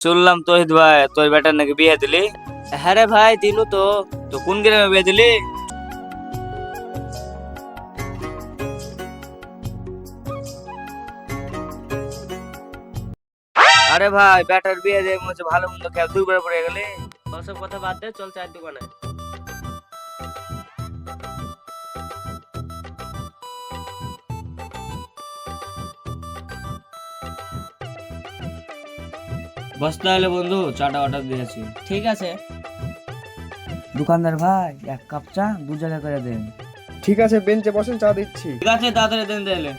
শুনলাম তোহিত ভাই তোর বেটার নাকি বিয়ে দিলি। হ্যাঁ রে ভাই দিনু তো। তো কোন গ্রামে বিয়ে দিলি? আরে ভাই বেটার বিয়ে দিয়ে মনে হচ্ছে ভালো মন্দ খেয়ে দুইবার পড়ে গেলি। ওসব কথা বাদ দে, চল চায়ের দোকানে। বস তাহলে বন্ধু, চাটা অর্ডার দিয়েছি। ঠিক আছে। দোকানদার ভাই এক কাপ চা দু জায়গায় করে দেন। ঠিক আছে, বেঞ্চে বসেন, চা দিচ্ছি। ঠিক আছে তাড়াতাড়ি দেন তাহলে।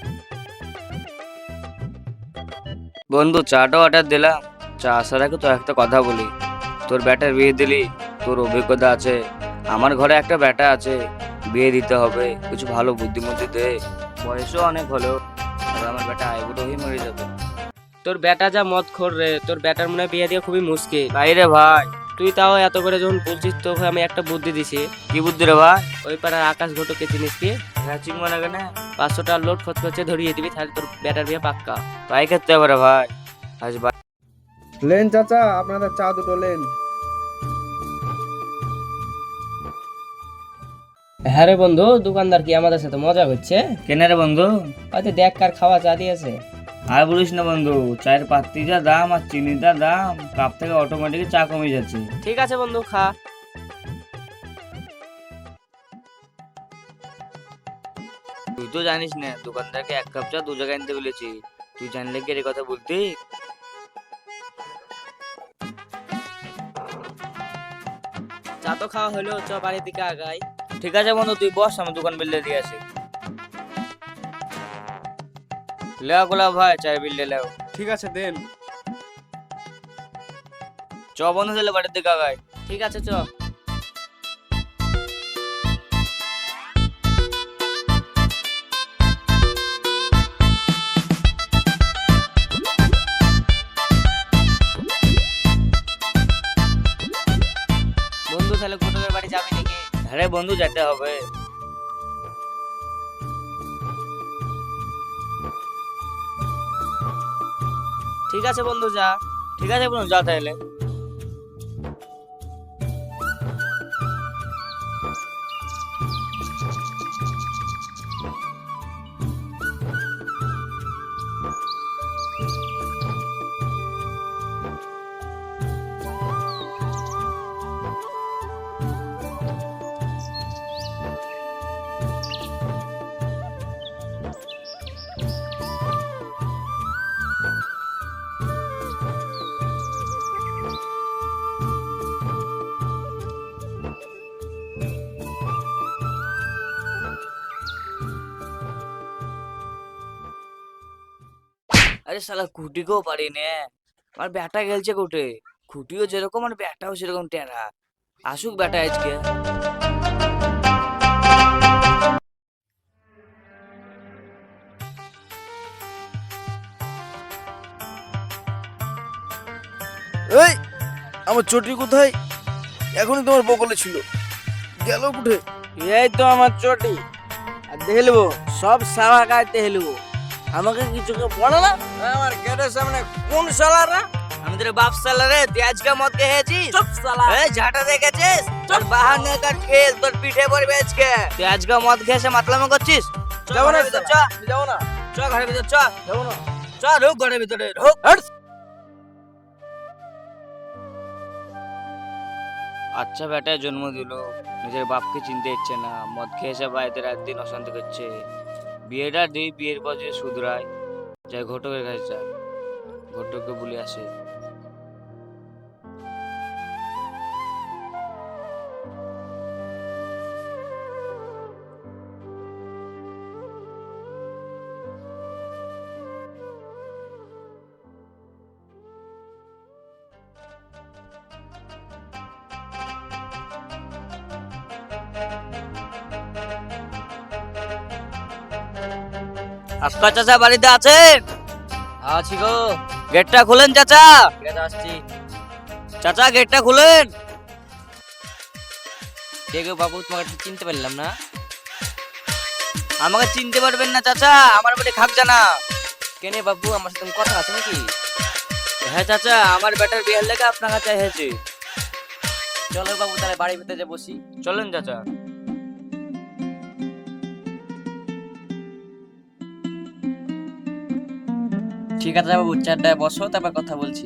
বন্ধু চাটা অর্ডার দিলাম। চা আসার আগে তো একটা কথা বলি, তোর বেটার বিয়ে দিলি, তোর অভিজ্ঞতা আছে, আমার ঘরে একটা বেটা আছে, বিয়ে দিতে হবে, কিছু ভালো বুদ্ধিমতি দে। বয়সও অনেক হলো, আর আমার বেটা আইবুড়ো হয়ে মরে যাবে। তোর বেটা যা মদ খোর রে, তোর বেটার মনে হয় বিয়ে দিয়ে খুবই মুশকিল। তাই রে ভাই। তুই তাও এত করে যখন বলছিস, তোকে আমি একটা বুদ্ধি দিছি। কি বুদ্ধি রে ভাই? ওই পাড়ার আকাশ ঘটকে চিনিস কি? হ্যাঁ চিংবা না কেন? 500 টাকার লোড খরচ করছে, ধরিয়ে দিবি, তাহলে তোর বেটার বিয়ে পাক্কা। তাই করতে হবে রে ভাই। আজ ভাই লেন চাচা, আপনাদের চা দুটো লেন। হ্যাঁ রে বন্ধু, দোকানদার কি আমাদের সাথে মজা করছে? কেনে রে বন্ধু? হয়তো দেখ কার খাওয়া চা দিয়েছে। আর বলিস না বন্ধু, চায়ের পাত্রি যা দাম আর চিনির যা দাম, কাপ থেকে অটোমেটিক চা কমে যাচ্ছে। ঠিক আছে বন্ধু, খা। তুই তো জানিস না দোকানদারকে এক কাপ চা দু জায়গায় আনতে বলেছি, তুই জানলে কি এর কথা বলতি? চা তো খাওয়া হলো, চ বাড়ির দিকে আগাই। ঠিক আছে বন্ধু, তুই বস, আমি দোকান বিল দিয়ে আসি। লেও গোলাপ ভাই চায়ের বিল লেও। ঠিক আছে, দেন। চ বন্ধু তাহলে বাড়ির দিকে আগাই। ঠিক আছে, চ। বন্ধু তাহলে ঘটকের বাড়ি যাবি নাকি? আরে বন্ধু যেতে হবে। ঠিক আছে বন্ধু, যা। ঠিক আছে বন্ধু যা তাহলে। আরে শালা খুঁটিকেও পারি নে, আমার ব্যাটা গেলছে কোটে। খুঁটিও যেরকম আর ব্যাটাও সেরকম টেরা। আসুক ব্যাটা আজকে। এই আমার চটি কোথায়? এখনই তোমার বগলে ছিল, গেল কোঠে? এই তো আমার চটি। আর দেখলবো সব সারা গাইতে হেলবো, আমাকে কিছু বলো না। আমার গেটের সামনে কোন শালারা? আমি তোর বাপ শালা রে, তুই আজকে মদ খেয়েছিস? চুপ শালা। এই ঝাঁটা দেখেছিস? তোর বাহানে কার খেল তোর পিঠে পড়বে আজকে। তুই আজকে মদ খেয়ে এসে মাতলামি করছিস? যাবো না, ঘরের ভিতর চ, যাবো না, চ ঘরের ভিতর চ, যাবো না। চ ঢুক ঘরের ভিতরে ঢুক। আচ্ছা বেটায় জন্ম দিল, নিজের বাপকে চিনতে ইচ্ছে না, মদ খেয়ে এসে বাড়িতে রাত দিন অশান্তি করছে। বিয়েটা দিই, বিয়ের পর যদি শুধরায় যাই ঘটকের কাছে যায়, ঘটককে বলে আসে। আক্কা চাচা বাড়িতে আছেন? আছি গো। গেটটা খুলেন চাচা। ঠিক আছে, আসছি। চাচা গেটটা খুলেন। কে গো বাবু, তোমাকে ঠিক চিনতে পারলাম না। আমাকে চিনতে পারবেন না চাচা, আমার বাড়ি খাক জানা। কেনে বাবু, আমার সাথে কথা আছে নাকি? হ্যাঁ চাচা, আমার বেটার বিয়ের লেগে আপনার কাছে এসেছি। চলো বাবু তাহলে বাড়ির ভিতরে যে বসি। চলেন চাচা। ঠিক আছে বাবু, চারটায় বসো, তারপর কথা বলছি।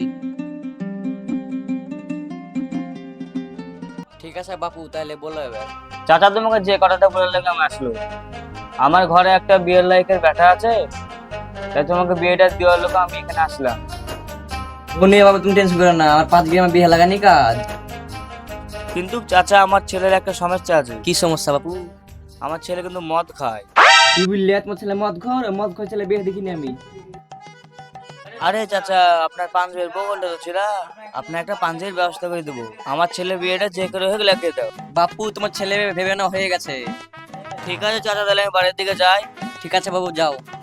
ঠিক আছে বাপু, তাহলে বলো এবার। চাচা তোমাকে যে কথাটা বলে লেগে আমি আসলো, আমার ঘরে একটা বিয়ের লাইকের ব্যাটা আছে, তাই তোমাকে বিয়েটা দেওয়ার লোক আমি এখানে আসলাম। ও নিয়ে বাবু তুমি টেনশন করো না, আমার 5 গ্রামে বিয়ে লাগানি কাজ। কিন্তু চাচা আমার ছেলের একটা সমস্যা আছে। কি সমস্যা বাপু? আমার ছেলে কিন্তু মদ খায়। কি বললে? তোমার ছেলে মদ ঘর ছেলে বিয়ে দেখিনি আমি। আরে চাচা, আপনার পাঞ্জাবির বগলটা তো ছিল, আপনার একটা পাঞ্জাবির ব্যবস্থা করে দেবো। আমার ছেলে বিয়েটা যে করে হোক লাগিয়ে দাও। বাপু তোমার ছেলে ভেবে না হয়ে গেছে। ঠিক আছে চাচা, তাহলে আমি বাড়ির দিকে যাই। ঠিক আছে বাবু, যাও।